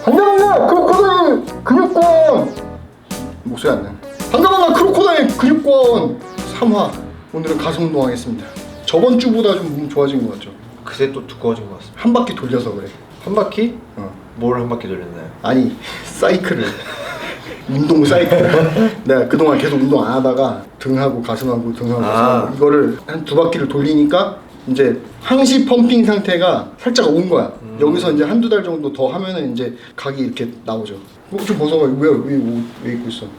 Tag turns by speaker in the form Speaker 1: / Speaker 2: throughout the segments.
Speaker 1: 반가워요 크로코다일 근육권. 목소리 안 나. 반가워요 크로코다일 근육권 3화. 오늘은 가슴 운동하겠습니다. 저번 주보다 좀 몸 좋아진 것 같죠?
Speaker 2: 그새 또 두꺼워진 것 같습니다.
Speaker 1: 한 바퀴 돌려서 그래.
Speaker 2: 한 바퀴?
Speaker 1: 어.
Speaker 2: 뭘 한 바퀴 돌렸나요?
Speaker 1: 아니 사이클을 운동 사이클. 내가 그동안 계속 운동 안 하다가 등하고 가슴하고 등하고 가슴하고 이거를 한 2바퀴를 돌리니까 이제 항시 펌핑 상태가 살짝 온 거야. 여기서 이제 한두 달 정도 더 하면은 이제 각이 이렇게 나오죠. 좀 벗어봐. 왜 입고 있어?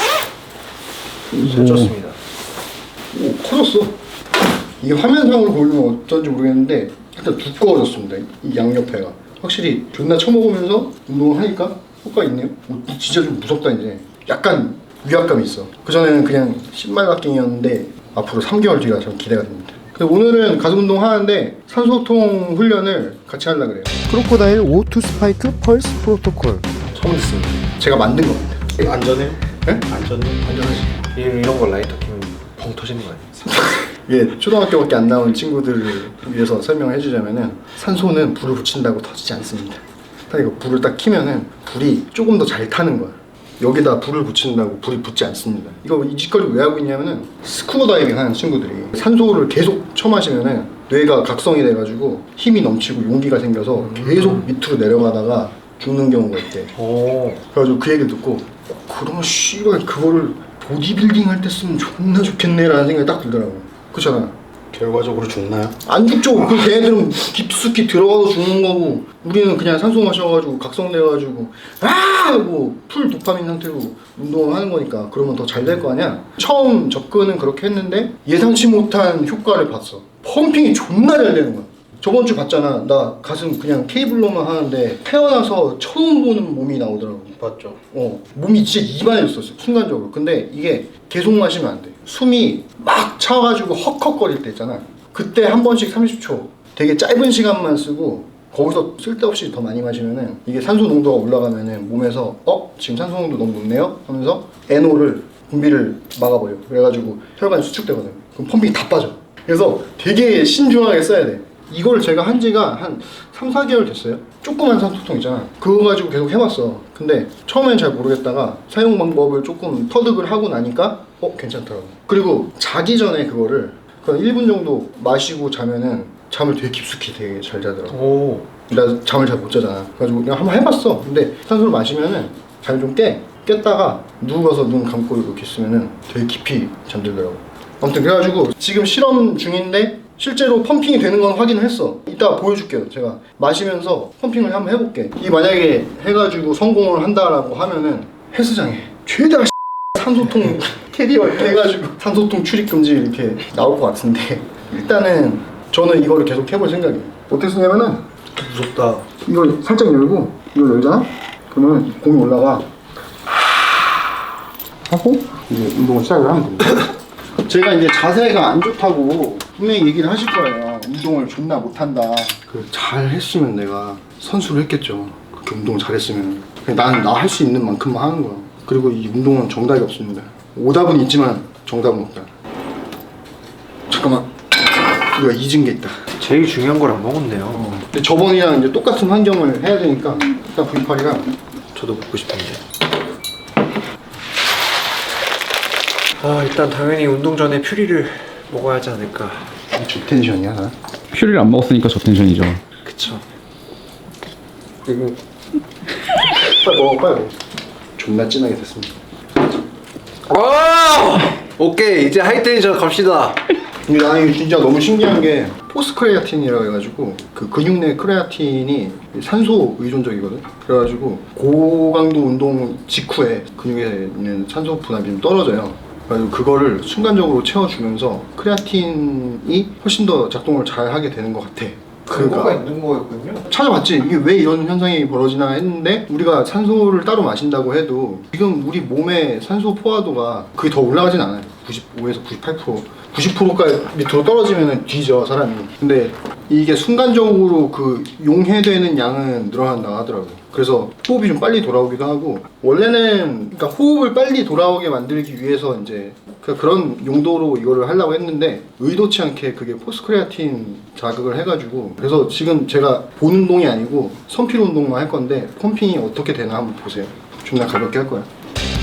Speaker 2: 살쪘습니다.
Speaker 1: 오, 커졌어. 이게 화면상으로 보이면 어쩐지 모르겠는데 일단 두꺼워졌습니다. 이 양옆에가 확실히 존나 처먹으면서 운동을 하니까 효과 있네요. 오, 진짜 좀 무섭다. 이제 약간 위압감이 있어. 그전에는 그냥 신발갓갱이었는데 앞으로 3개월 뒤가 좀 기대가 됩니다. 근데 오늘은 가슴 운동 하는데 산소통 훈련을 같이 하려고 그래요. 크로코다일 O2 스파이크 펄스 프로토콜 처음 듣습니다. 제가 만든 겁니다.
Speaker 2: 안전해요?
Speaker 1: 네?
Speaker 2: 안전하지. 이런 거 라이터 키면 펑 터지는 거 아니에요?
Speaker 1: 예, 초등학교밖에 안 나온 친구들을 위해서 설명을 해주자면은 산소는 불을 붙인다고 터지지 않습니다. 딱 이거 불을 딱 켜면은 불이 조금 더 잘 타는 거야. 여기다 불을 붙인다고 불이 붙지 않습니다. 이거 이 짓거리 왜 하고 있냐면은 스쿠버 다이빙 하는 친구들이 산소를 계속 처마시면은 뇌가 각성이 돼가지고 힘이 넘치고 용기가 생겨서 계속 밑으로 내려가다가 죽는 경우가 있대.
Speaker 2: 오.
Speaker 1: 그래가지고 그 얘기를 듣고 그러면 씨발 그거를 보디빌딩 할 때 쓰면 존나 좋겠네 라는 생각이 딱 들더라고. 그렇잖아.
Speaker 3: 결과적으로 죽나요?
Speaker 1: 안 죽죠. 그 걔네들은 깊숙이 들어가서 죽는 거고 우리는 그냥 산소 마셔가지고 각성돼가지고 하고 풀 도파민 상태로 운동을 하는 거니까 그러면 더 잘 될 거 아니야. 처음 접근은 그렇게 했는데 예상치 못한 효과를 봤어. 펌핑이 존나 잘 되는 거야. 저번 주 봤잖아. 나 가슴 그냥 케이블로만 하는데 태어나서 처음 보는 몸이 나오더라고.
Speaker 2: 봤죠.
Speaker 1: 몸이 진짜 이만해졌었어 순간적으로. 근데 이게 계속 마시면 안 돼. 숨이 막 차가지고 헉헉거릴 때 있잖아. 그때 한 번씩 30초 되게 짧은 시간만 쓰고 거기서 쓸데없이 더 많이 마시면은 이게 산소 농도가 올라가면은 몸에서 지금 산소 농도 너무 높네요 하면서 NO를 분비를 막아버려. 그래가지고 혈관이 수축되거든. 그럼 펌핑이 다 빠져. 그래서 되게 신중하게 써야 돼. 이걸 제가 한 지가 한 3, 4개월 됐어요. 조그만 산소통 있잖아. 그거 가지고 계속 해봤어. 근데 처음엔 잘 모르겠다가 사용 방법을 조금 터득을 하고 나니까 괜찮더라고. 그리고 자기 전에 그거를 그냥 1분 정도 마시고 자면은 잠을 되게 깊숙이 되게 잘 자더라고.
Speaker 2: 오.
Speaker 1: 나 잠을 잘 못 자잖아. 그래가지고 그냥 한번 해봤어. 근데 산소를 마시면은 잘 좀 깼다가 누워서 눈 감고 이렇게 있으면은 되게 깊이 잠들더라고. 아무튼 그래가지고 지금 실험 중인데 실제로 펌핑이 되는 건 확인을 했어. 이따 보여줄게요. 제가 마시면서 펌핑을 한번 해볼게. 이 만약에 해가지고 성공을 한다라고 하면은 헬스장에 최대한 산소통 캐리어 이렇게 해가지고 산소통 출입 금지 이렇게 나올 것 같은데 일단은 저는 이거를 계속 해볼 생각이에요. 어떻게 쓰냐면은
Speaker 2: 무섭다.
Speaker 1: 이걸 살짝 열고 이걸 열잖아? 그러면 공이 올라가 하고 이제 운동을 시작을 하면 됩니다. 제가 이제 자세가 안 좋다고 분명히 얘기를 하실 거예요. 운동을 존나 못한다. 잘 했으면 내가 선수를 했겠죠. 그렇게 운동을 잘했으면. 나는 나 할 수 있는 만큼만 하는 거야. 그리고 이 운동은 정답이 없습니다. 오답은 있지만 정답은 없다. 잠깐만. 우리가 잊은 게 있다.
Speaker 2: 제일 중요한 걸 안 먹었네요.
Speaker 1: 근데 저번이랑 이제 똑같은 환경을 해야 되니까 일단 V8이랑
Speaker 2: 저도 먹고 싶은데. 일단 당연히 운동 전에 퓨리를 먹어야 하지 않을까.
Speaker 1: 저 텐션이야 나?
Speaker 3: 퓨리를 안 먹었으니까 저 텐션이죠.
Speaker 2: 그쵸.
Speaker 1: 그리고 빨리 먹어 빨리 먹어. 존나 진하게 됐습니다.
Speaker 2: 오케이, 이제 하이텐션 갑시다.
Speaker 1: 근데 나는 이게 진짜 너무 신기한 게 포스 크레아틴이라고 해가지고 그 근육 내 크레아틴이 산소 의존적이거든. 그래가지고 고강도 운동 직후에 근육에 있는 산소 분압이 좀 떨어져요. 그래서 그거를 순간적으로 채워주면서 크레아틴이 훨씬 더 작동을 잘 하게 되는 것 같아.
Speaker 2: 근거가 있는 거였군요.
Speaker 1: 찾아봤지. 이게 왜 이런 현상이 벌어지나 했는데 우리가 산소를 따로 마신다고 해도 지금 우리 몸의 산소 포화도가 그게 더 올라가진 않아요. 95에서 98% 90%까지 밑으로 떨어지면 뒤져 사람이. 근데 이게 순간적으로 그 용해되는 양은 늘어난다 하더라고요. 그래서 호흡이 좀 빨리 돌아오기도 하고, 원래는 그러니까 호흡을 빨리 돌아오게 만들기 위해서 이제 그런 용도로 이거를 하려고 했는데 의도치 않게 그게 포스크레아틴 자극을 해가지고, 그래서 지금 제가 본 운동이 아니고 선필 운동만 할 건데 펌핑이 어떻게 되나 한번 보세요. 존나 가볍게 할 거야.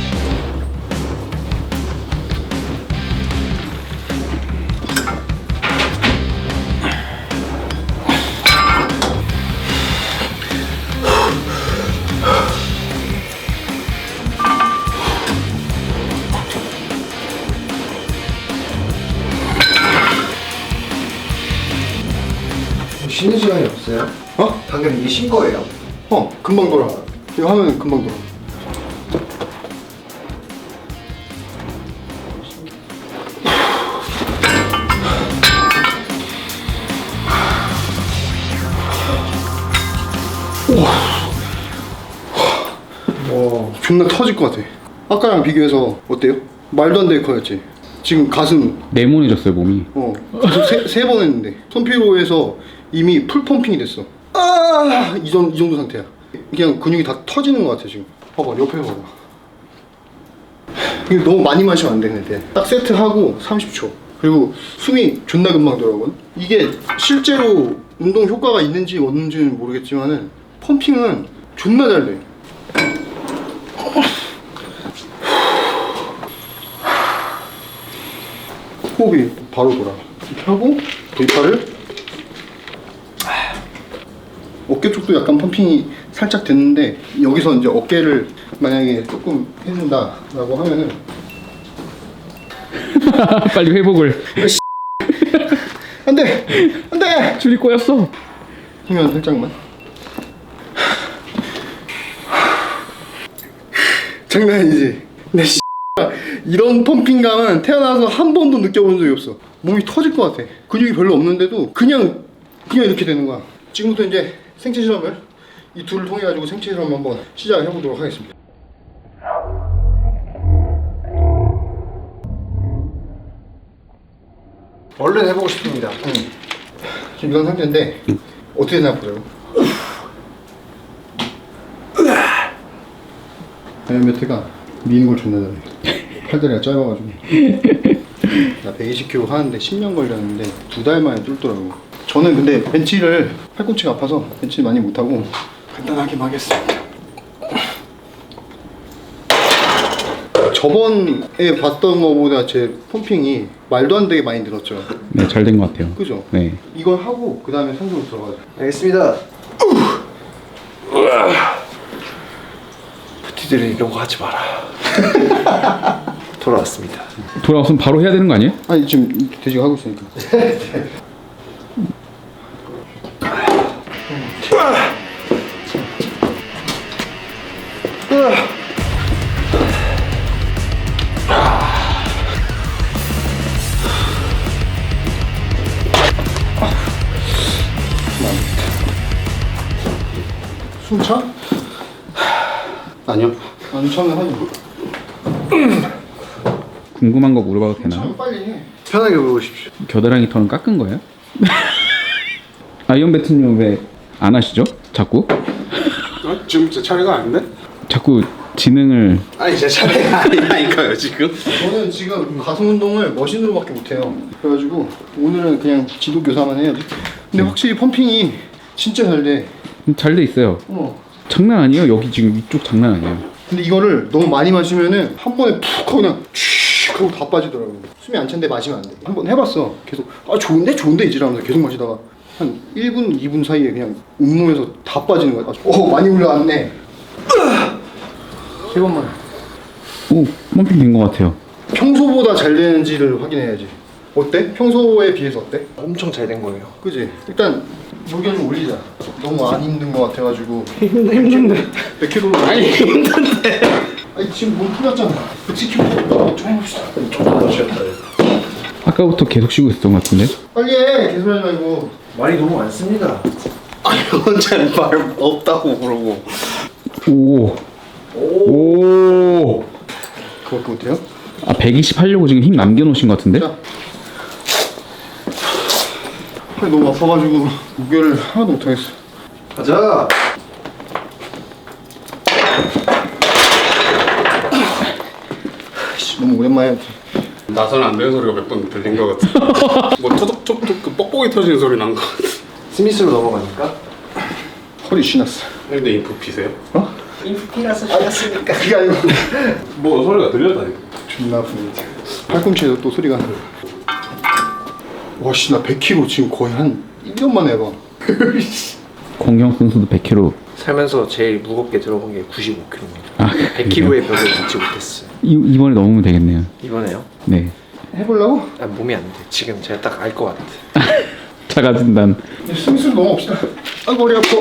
Speaker 2: 쉬는 시간이 없어요?
Speaker 1: 어?
Speaker 2: 방금 이게 쉰 거예요?
Speaker 1: 금방 돌아. 이거 하면 금방 돌아. 와, 존나 터질 것 같아. 아까랑 비교해서 어때요? 말도 안 되게 커졌지. 지금 가슴
Speaker 3: 네모내졌어요 몸이.
Speaker 1: 가슴 세 번 했는데 손피로에서 이미 풀 펌핑이 됐어. 이 정도 상태야. 그냥 근육이 다 터지는 것 같아 지금. 봐봐, 옆에 봐봐. 이게 너무 많이 마시면 안 되는데 딱 세트하고 30초. 그리고 숨이 존나 금방 돌아오거든. 이게 실제로 운동 효과가 있는지 없는지는 모르겠지만은 펌핑은 존나 잘 돼. 호흡이 바로 돌아. 이렇게 하고 V팔을 어깨 쪽도 약간 펌핑이 살짝 됐는데, 여기서 이제 어깨를 만약에 조금 해준다라고 하면은
Speaker 3: 빨리 회복을.
Speaker 1: 안돼
Speaker 3: 줄이 꼬였어.
Speaker 1: 힘면 살짝만. 장난 아니지. 근데 이런 펌핑감은 태어나서 한 번도 느껴본 적이 없어. 몸이 터질 것 같아. 근육이 별로 없는데도 그냥 이렇게 되는 거야. 지금부터 이제 생체 실험을 이 둘을 통해 가지고 생체 실험 한번 시작해 보도록 하겠습니다.
Speaker 2: 얼른 해보고 싶습니다.
Speaker 1: 지금 이런 상태인데 어떻게 생각해요? 다이어메트가 미는 걸 존나 잘해. 팔다리가 짧아가지고. 나 120kg 하는데 10년 걸렸는데 2달 만에 뚫더라고. 저는 근데 벤치를 팔꿈치가 아파서 벤치 많이 못하고 간단하게만 하겠습니다. 저번에 봤던 거보다 제 펌핑이 말도 안 되게 많이 늘었죠.
Speaker 3: 네, 잘 된 것 같아요.
Speaker 1: 그죠?
Speaker 3: 네.
Speaker 1: 이걸 하고 그 다음에 상승으로 들어가죠.
Speaker 2: 알겠습니다. 부티들이 이런 거 하지 마라. 돌아왔습니다.
Speaker 3: 돌아왔으면 바로 해야 되는 거 아니에요?
Speaker 1: 아니 지금 돼지가 하고 있으니까. 숨 차?
Speaker 3: 아니요.
Speaker 1: 안 차면 하지.
Speaker 3: 궁금한 거 물어봐도 되나요?
Speaker 1: 차면 빨리 해.
Speaker 2: 편하게 물어보십시오.
Speaker 3: 겨드랑이 털은 깎은 거예요? 아이언 배트님 왜 안 하시죠? 자꾸?
Speaker 4: 지금 제 차례가 아닌데?
Speaker 3: 자꾸 지능을.
Speaker 4: 아니 제 차례가 아니라니까요 지금.
Speaker 1: 저는 지금 가슴 운동을 머신으로밖에 못해요. 그래가지고 오늘은 그냥 지도 교사만 해야지. 근데 확실히 펌핑이 진짜 잘 돼.
Speaker 3: 잘 돼 있어요. 장난 아니에요. 여기 지금 위쪽 장난 아니에요.
Speaker 1: 근데 이거를 너무 많이 마시면은 한 번에 푹 하고 그냥 쭉 하고 다 빠지더라고. 숨이 안 찬데 마시면 안 돼. 한번 해봤어. 계속 좋은데 이지라면서 계속 마시다가 한 1분 2분 사이에 그냥 온몸에서 다 빠지는 거야. 많이 올라왔네. 세 번만.
Speaker 3: 오, 펌핑 된 것 같아요.
Speaker 1: 평소보다 잘 되는지를 확인해야지. 어때? 평소에 비해서 어때?
Speaker 2: 엄청 잘 된 거예요.
Speaker 1: 그지? 일단 무게 좀 올리자. 너무 안 힘든 것 같아가지고.
Speaker 2: 힘든데.
Speaker 1: 100kg로. 아니 힘든데. 아니 지금 몸 풀렸잖아. 110kg. 좀 해봅시다.
Speaker 2: 조금 더 쉬었다.
Speaker 3: 아까부터 계속 쉬고 있었던 것 같은데?
Speaker 1: 빨리 해. 계속 하지 말고.
Speaker 2: 말이 너무 많습니다.
Speaker 4: 아니 혼자 말 없다고 그러고.
Speaker 3: 오. 오.
Speaker 1: 그것도 못해요?
Speaker 3: 아 120 하려고 지금 힘 남겨놓으신 것 같은데?
Speaker 1: 자. 팔이 너무 아파가지고 무게를 하나도 못하겠어.
Speaker 2: 가자.
Speaker 1: 너무 오랜만에 했지.
Speaker 4: 나서는 안 되는 소리가 몇 번 들린 것 같아. 뭐 토독토독 그 뻑뻑이 터지는 소리 난 것 같아.
Speaker 2: 스미스로 넘어가니까.
Speaker 1: 허리 쉬났어.
Speaker 4: 근데 인프 피세요?
Speaker 1: 어?
Speaker 2: 인프피라서 쉬었으니까.
Speaker 1: 그게 아니고
Speaker 4: 뭐 소리가 들렸다니까.
Speaker 1: 존나 아프네. 팔꿈치에서 또 소리가. 와씨 나 100kg 지금 거의 한 1년 만에 해봐.
Speaker 3: 공경 선수도 100kg.
Speaker 2: 살면서 제일 무겁게 들어본 게 95kg입니다.
Speaker 3: 아
Speaker 2: 100kg의 벽을 넘지 못했어요.
Speaker 3: 이번에 넘으면 되겠네요.
Speaker 2: 이번에요?
Speaker 3: 네.
Speaker 1: 해보려고?
Speaker 2: 아, 몸이 안 돼. 지금 제가 딱 알 것 같아.
Speaker 3: 자가진단.
Speaker 1: 스미스로 넘어갑시다. 아이고 머리 아파.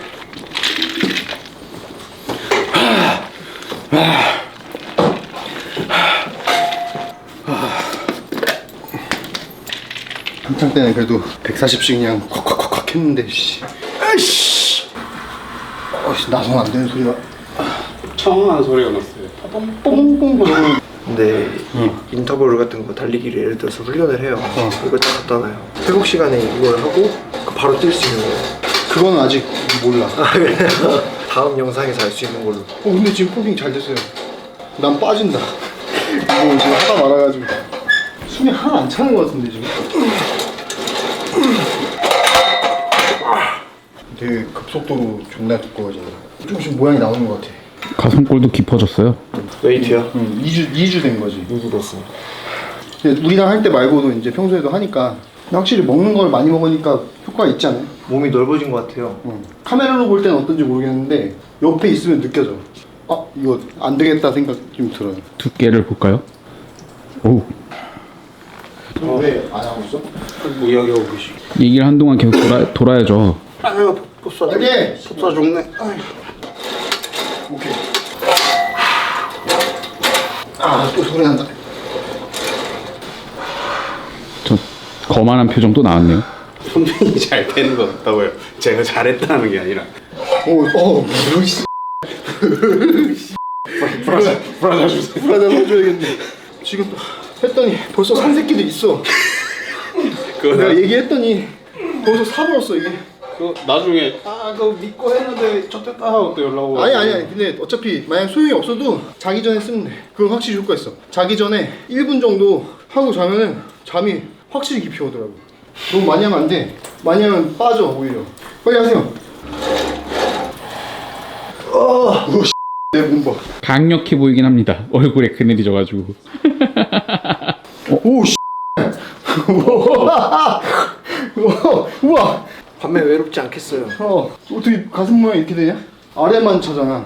Speaker 1: 한창 때는 그래도 140씩 그냥 콱콱콱콱 했는데 씨. 아이씨. 나선 안 되는 소리가
Speaker 4: 청한 소리가 났어요.
Speaker 1: 뽕뽕 거리고.
Speaker 2: 근데 이 인터벌 같은 거 달리기를 예를 들어서 훈련을 해요. 이거 딱 갖다 놔요. 회복 시간에 이걸 하고 그 바로 뛸 수 있는 거예요.
Speaker 1: 그거는 아직 몰라.
Speaker 2: 다음 영상에서 알 수 있는 걸로.
Speaker 1: 근데 지금 포깅 잘 됐어요. 난 빠진다. 이거 지금 하다 말아가지고 숨이 하나 안 차는 것 같은데 지금. 되게 급속도로 존나 두꺼워진다. 조금씩 모양이 나오는 것 같아.
Speaker 3: 가슴골도 깊어졌어요.
Speaker 2: 웨이트요?
Speaker 1: 2주 된 거지.
Speaker 2: 이주 됐습니다.
Speaker 1: 근데 우리랑 할 때 말고도 이제 평소에도 하니까 확실히 먹는 걸 많이 먹으니까 효과가 있지 않아요?
Speaker 2: 몸이 넓어진 것 같아요.
Speaker 1: 카메라로 볼 때는 어떤지 모르겠는데 옆에 있으면 느껴져. 아 이거 안 되겠다 생각 좀 들어요.
Speaker 3: 두께를 볼까요? 오.
Speaker 1: 왜 안 하고 있어?
Speaker 4: 뭐 이야기하고 계시.
Speaker 3: 얘기를 한동안 계속 돌아야죠.
Speaker 4: 아유 pop사.
Speaker 1: 오케이.
Speaker 4: pop사 좋네.
Speaker 1: 오케이. 또 소리 난다.
Speaker 3: 저 거만한 표정 또 나왔네요.
Speaker 4: 손등이 잘 되는 것 같다고요. 제가 잘했다는 게 아니라.
Speaker 1: 뭐지?
Speaker 4: 브라자 주세요.
Speaker 1: 불안해 해줘야겠네. 지금 또 했더니 벌써 산 새끼도 있어.
Speaker 4: 그거
Speaker 1: 내가 얘기했더니 벌써 사버렸어 이게.
Speaker 4: 그 나중에 그거 믿고 했는데 쳤댔다 하고 또 연락 오고.
Speaker 1: 아니 근데 어차피 만약 소용이 없어도 자기 전에 쓰면 돼. 그건 확실히 효과 있어. 자기 전에 1분 정도 하고 자면은 잠이 확실히 깊이 오더라고. 너무 많이 하면 안 돼. 많이 하면 빠져 오히려. 빨리 하세요. 내 몸 봐.
Speaker 3: 강력해 보이긴 합니다. 얼굴에 그늘이 져가지고.
Speaker 1: 오 씨. 우와.
Speaker 2: 밤에 외롭지 않겠어요.
Speaker 1: 어떻게 가슴 모양 이렇게 되냐? 아래만 차잖아.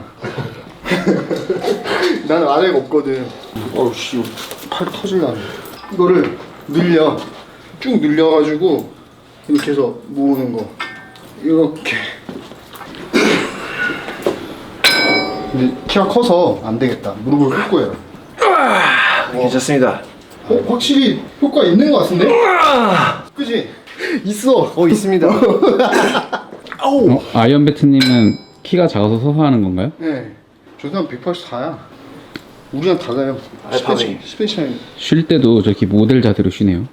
Speaker 1: 나는 아래가 없거든. 어우 씨, 팔 터질라네. 이거를 늘려, 쭉 늘려가지고 이렇게 해서 모으는 거. 이렇게. 근데 키가 커서 안 되겠다. 무릎을 꿇고 해요.
Speaker 2: 괜찮습니다.
Speaker 1: 확실히 효과 있는 것 같은데? 그지? 있어.
Speaker 2: 있습니다.
Speaker 3: 아이언배트님은 키가 작아서 서서 하는 건가요?
Speaker 1: 네. 저 사람 184야. 우리랑 달라요.
Speaker 2: 알파벳.
Speaker 1: 스페셜.
Speaker 3: 쉴 때도 저렇게 모델 자세로 쉬네요.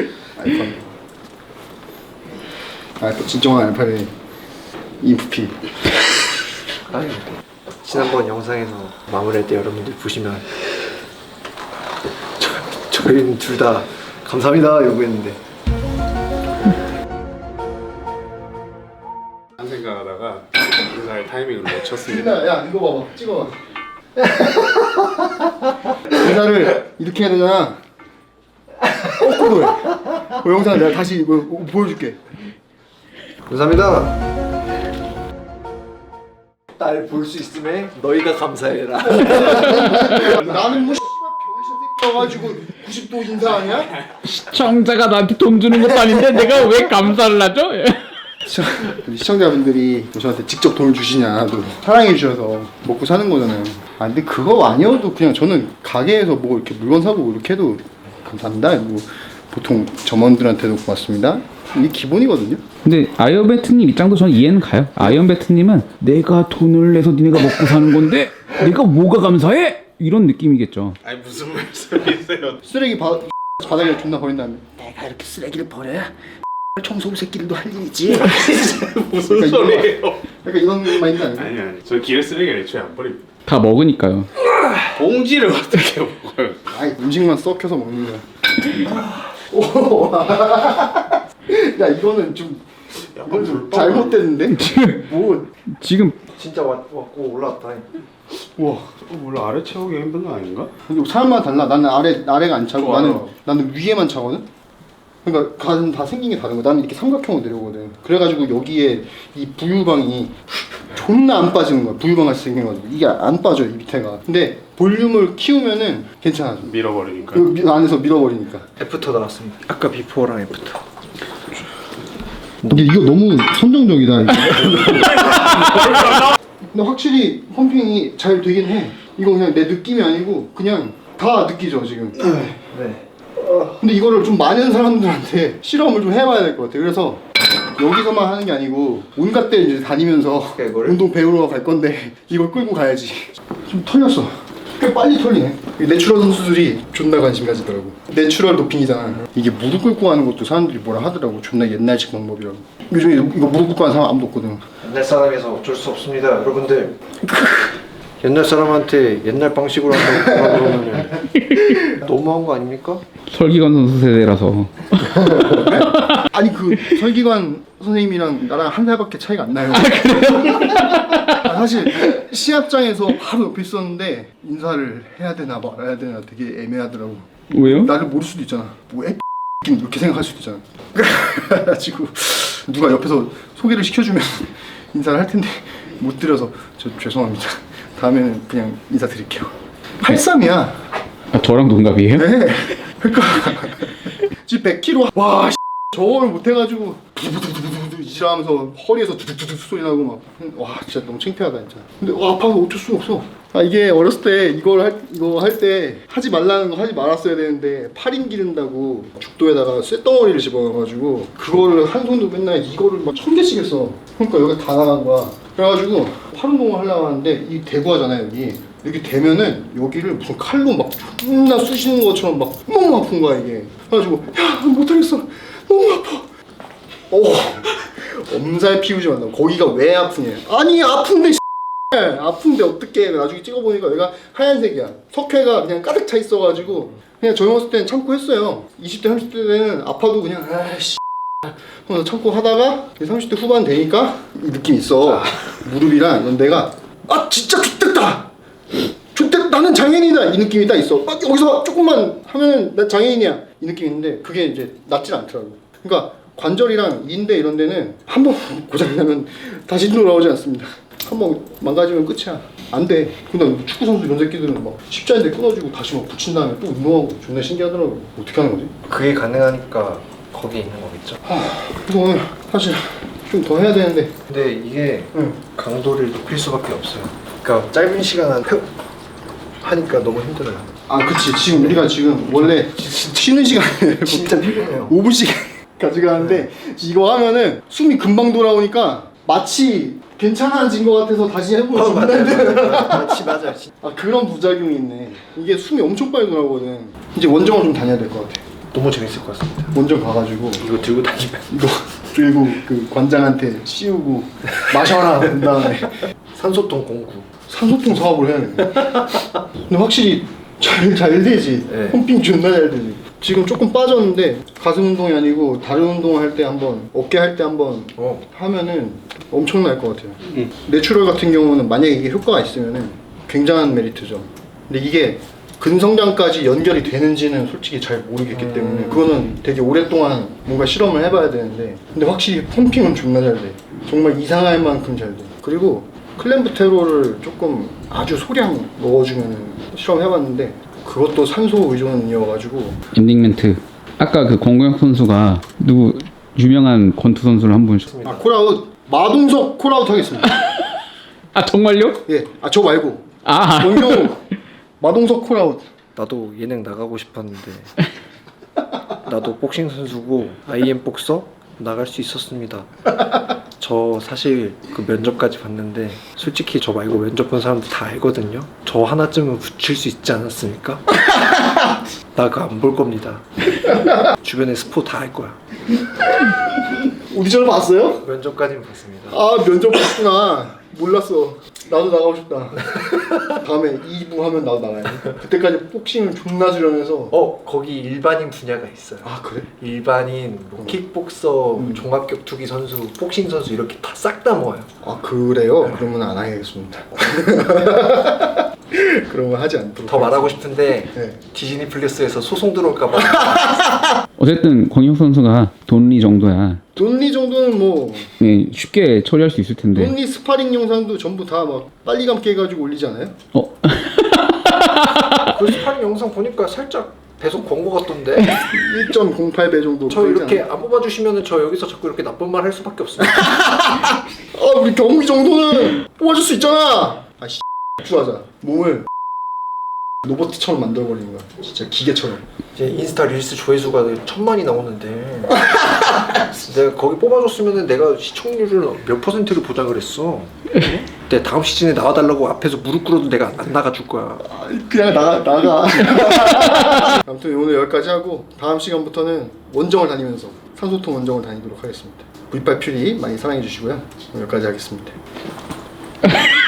Speaker 1: 알파 진정한 알파벳 인프피.
Speaker 2: 아유, 지난번 영상에서 마무리할 때 여러분들 보시면 저희는 둘 다 감사합니다 이러고 했는데
Speaker 4: 한 생각하다가 인사할 타이밍을 놓쳤습니다.
Speaker 1: 야 이거 봐봐. 찍어봐. 인사를 이렇게 해야 되잖아. 거꾸로 해. 그 영상 내가 다시 보여줄게.
Speaker 2: 감사합니다. 딸 볼 수 있음에 너희가 감사해라.
Speaker 1: 나는 뭐 병신 새끼 가지고 90도 인사하냐?
Speaker 3: 시청자가 나한테 돈 주는 것도 아닌데 내가 왜 감사를 하죠?
Speaker 1: 시청자분들이 저한테 직접 돈을 주시냐도 사랑해 주셔서 먹고 사는 거잖아요. 근데 그거 아니어도 그냥 저는 가게에서 뭐 이렇게 물건 사고 이렇게 해도 감사합니다. 뭐 보통 점원들한테도 고맙습니다. 이게 기본이거든요.
Speaker 3: 근데 아이언배트님 입장도 저는 이해는 가요. 아이언배트님은 내가 돈을 내서 니네가 먹고 사는 건데 내가 뭐가 감사해? 이런 느낌이겠죠.
Speaker 4: 아니 무슨 말씀이세요?
Speaker 1: 쓰레기 바닥에 존나 버린 다음에 내가 이렇게 쓰레기를 버려야 청소부 새끼들도 할 일이지.
Speaker 4: 무슨
Speaker 1: 그러니까
Speaker 4: 소리예요?
Speaker 1: 약간 이런 마인드 아니에요?
Speaker 4: 아니 저 길에 쓰레기를 애초에 안 버립니다.
Speaker 3: 다 먹으니까요.
Speaker 4: 봉지를 어떻게 먹어요?
Speaker 1: 아이 음식만 썩혀서 먹는 거야. 오. 야 이거는 좀 이건 좀 잘못됐는데? 뭐
Speaker 3: 지금
Speaker 2: 진짜 왔고 올라왔다.
Speaker 1: 와.
Speaker 4: 몰라 아래 채우기 힘든 거 아닌가?
Speaker 1: 근데 사람마다 달라. 나는 아래가 안 차고
Speaker 4: 좋아요.
Speaker 1: 나는 위에만 차거든. 그러니까 가는 다 생긴 게 다른 거야. 나는 이렇게 삼각형으로 내려오거든. 그래가지고 여기에 이 부유방이 존나 안 빠지는 거야. 부유방 같이 생겨가지고 이게 안 빠져 이 밑에가. 근데 볼륨을 키우면은 괜찮아.
Speaker 4: 밀어버리니까.
Speaker 1: 그 안에서 밀어버리니까.
Speaker 2: 애프터 나왔습니다. 아까 비포랑 애프터.
Speaker 1: 근데 이거 너무 선정적이다. 이거. 근데 확실히 펌핑이 잘 되긴 해. 이거 그냥 내 느낌이 아니고 그냥 다 느끼죠 지금.
Speaker 2: 네.
Speaker 1: 근데 이거를 좀 많은 사람들한테 실험을 좀 해봐야 될 것 같아. 그래서 여기서만 하는 게 아니고 온갖 데 이제 다니면서
Speaker 2: 이거를?
Speaker 1: 운동 배우러 갈 건데 이걸 끌고 가야지. 좀 털렸어. 꽤 빨리 털리네. 내추럴 선수들이 존나 관심 가지더라고. 내추럴 도핑이잖아. 이게 무릎 꿇고 하는 것도 사람들이 뭐라 하더라고. 존나 옛날식 방법이라고. 요즘에 이거 무릎 꿇고 하는 사람 아무도 없거든.
Speaker 2: 옛날 사람에서 어쩔 수 없습니다, 여러분들. 옛날 사람한테 옛날 방식으로 한다고 그러면 너무한 거 아닙니까?
Speaker 3: 설기관 선수 세대라서.
Speaker 1: 아니 그 설기관 선생님이랑 나랑 한 살밖에 차이가 안 나요. 사실 시합장에서 바로 옆에 있었는데 인사를 해야 되나 말아야 되나 되게 애매하더라고.
Speaker 3: 왜요?
Speaker 1: 나를 모를 수도 있잖아. 뭐 이렇게 생각할 수도 있잖아. 그래가지고 누가 옆에서 소개를 시켜주면 인사를 할 텐데 못 드려서 저 죄송합니다. 다음에는 그냥 인사드릴게요. 83이야.
Speaker 3: 아, 저랑 동갑이에요?
Speaker 1: 네. 그러니까 지금 100kg 와 저걸 못해가지고 두두두두두 이질하면서 허리에서 두둑두둑 소리 나고 막 와 진짜 너무 창피하다 진짜. 근데 와 아파서 어쩔 수가 없어. 아 이게 어렸을 때 이거 할 때 하지 말라는 거 하지 말았어야 되는데 팔인 기른다고 죽도에다가 쇳덩어리를 집어넣어가지고 그거를 한 손으로 맨날 이거를 막 1000개씩 했어. 그러니까 여기 다 나간 거야. 그래가지고 팔 운동을 하려고 하는데 이 대구 하잖아요 여기. 이렇게 되면은 여기를 무슨 칼로 막 존나 쑤시는 것처럼 막 너무 아픈 거야 이게. 그래가지고 야 못하겠어 너무 아파. 엄살 피우지 말라고. 거기가 왜 아프냐. 아니 아픈데 아픈데 어떡해. 나중에 찍어보니까 여기가 하얀색이야. 석회가 그냥 가득 차 있어가지고 그냥 젊었을 때는 참고 했어요. 20대 30대 때는 아파도 그냥 아이씨 그래서 참고 하다가 30대 후반 되니까 이 느낌이 있어. 무릎이랑 이런 데가 아 진짜 X됐다 X됐다 나는 장애인이다 이 느낌이 딱 있어. 막 여기서 조금만 하면은 나 장애인이야 이 느낌이 있는데 그게 이제 낫질 않더라고. 그러니까 관절이랑 인대 이런 데는 한번 고장나면 다시 돌아오지 않습니다. 한번 망가지면 끝이야. 안 돼. 근데 축구 선수 이런 새끼들은 막 십자인대 끊어주고 다시 막 붙인 다음에 또 운동하고 존나 신기하더라고. 어떻게 하는 거지?
Speaker 2: 그게 가능하니까 거기 있는 거겠죠.
Speaker 1: 그래서 오늘 사실 좀 더 해야 되는데.
Speaker 2: 근데 이게
Speaker 1: 응.
Speaker 2: 강도를 높일 수밖에 없어요. 그러니까 짧은 시간 안에 하니까 너무 힘들어요.
Speaker 1: 아 그치. 지금 우리가 지금 원래 쉬는 시간에
Speaker 2: 진짜 피곤해요.
Speaker 1: 5분씩 가져가는데 이거 하면은 숨이 금방 돌아오니까 마치 괜찮아진 것 같아서 다시 해보면 존나 힘들어.
Speaker 2: 맞아.
Speaker 1: 아 그런 부작용이 있네. 이게 숨이 엄청 빨리 돌아오거든. 이제 원정을 좀 다녀야 될 것 같아.
Speaker 2: 너무 재밌을 것 같습니다.
Speaker 1: 원정 가가지고
Speaker 2: 이거 들고 다니면
Speaker 1: 이거 들고 그 관장한테 씌우고 마셔라 그 다음에
Speaker 2: 산소통 공구.
Speaker 1: 산소통 사업을 해야 돼. 근데 확실히 잘 되지.
Speaker 2: 네.
Speaker 1: 펌핑 존나 잘 되지. 지금 조금 빠졌는데 가슴 운동이 아니고 다른 운동을 할 때 한번 어깨 할 때 한번 하면은 엄청날 것 같아요. 내추럴 같은 경우는 만약에 이게 효과가 있으면은 굉장한 메리트죠. 근데 이게 근성장까지 연결이 되는지는 솔직히 잘 모르겠기 때문에 그거는 되게 오랫동안 뭔가 실험을 해봐야 되는데 근데 확실히 펌핑은 존나 잘 돼. 정말 이상할 만큼 잘 돼. 그리고 클램프테로를 조금 아주 소량 넣어주면은 실험해봤는데 그것도 산소 의존이어가지고
Speaker 3: 엔딩 멘트. 아까 그 권구영 선수가 누구 유명한 권투 선수를 한 분.
Speaker 1: 아 콜아웃 마동석 콜아웃 하겠습니다.
Speaker 3: 아 정말요?
Speaker 1: 예, 아 저 말고
Speaker 3: 아.
Speaker 1: 권경우 마동석 콜아웃.
Speaker 2: 나도 예능 나가고 싶었는데 나도 복싱 선수고 IM 복서 나갈 수 있었습니다. 저 사실 그 면접까지 봤는데 솔직히 저 말고 면접 본 사람들 다 알거든요. 저 하나쯤은 붙일 수 있지 않았습니까? 나 그거 안 볼 겁니다. 주변에 스포 다 할 거야.
Speaker 1: 오디션을 봤어요?
Speaker 2: 면접까지는 봤습니다.
Speaker 1: 아 면접 봤구나. 몰랐어. 나도 나가고 싶다. 다음에 2부 하면 나도 나가야 돼. 그때까지 복싱을 존나 수련해서.
Speaker 2: 거기 일반인 분야가 있어요.
Speaker 1: 아 그래?
Speaker 2: 일반인, 뭐 킥복서, 종합격투기 선수, 복싱 선수 이렇게 다 싹 다 모아요.
Speaker 1: 아 그래요? 그러면 안 하겠습니다. 그러면 하지 않도록.
Speaker 2: 더 말하고 싶은데
Speaker 1: 네.
Speaker 2: 디즈니 플러스에서 소송 들어올까봐.
Speaker 3: 어쨌든 권혁 선수가 돈리 정도야.
Speaker 1: 돈리 정도는 뭐
Speaker 3: 예, 쉽게 처리할 수 있을 텐데.
Speaker 1: 돈리 스파링 영상도 전부 다 막 빨리 감기 해가지고 올리잖아요.
Speaker 2: 그 스파링 영상 보니까 살짝 배속 광고 같던데.
Speaker 1: 1.08배 정도.
Speaker 2: 저
Speaker 1: 보이지
Speaker 2: 이렇게
Speaker 1: 않아요?
Speaker 2: 안 뽑아주시면은 저 여기서 자꾸 이렇게 나쁜 말 할 수밖에 없습니다.
Speaker 1: 아 우리 경기 정도는 뽑아줄 수 있잖아. 아씨 주하자. 몸을 로봇처럼 만들어버리는 거야. 진짜 기계처럼.
Speaker 2: 이제 인스타 릴스 조회수가 1000만이 나오는데 내가 거기 뽑아줬으면은 내가 시청률을 몇 %를 보장을 했어. 내 다음 시즌에 나와달라고 앞에서 무릎 꿇어도 내가 안 나가줄 거야.
Speaker 1: 그냥 나가. 아무튼 오늘 여기까지 하고 다음 시간부터는 원정을 다니면서 산소통 원정을 다니도록 하겠습니다. V8 퓨리 많이 사랑해 주시고요. 오늘 여기까지 하겠습니다.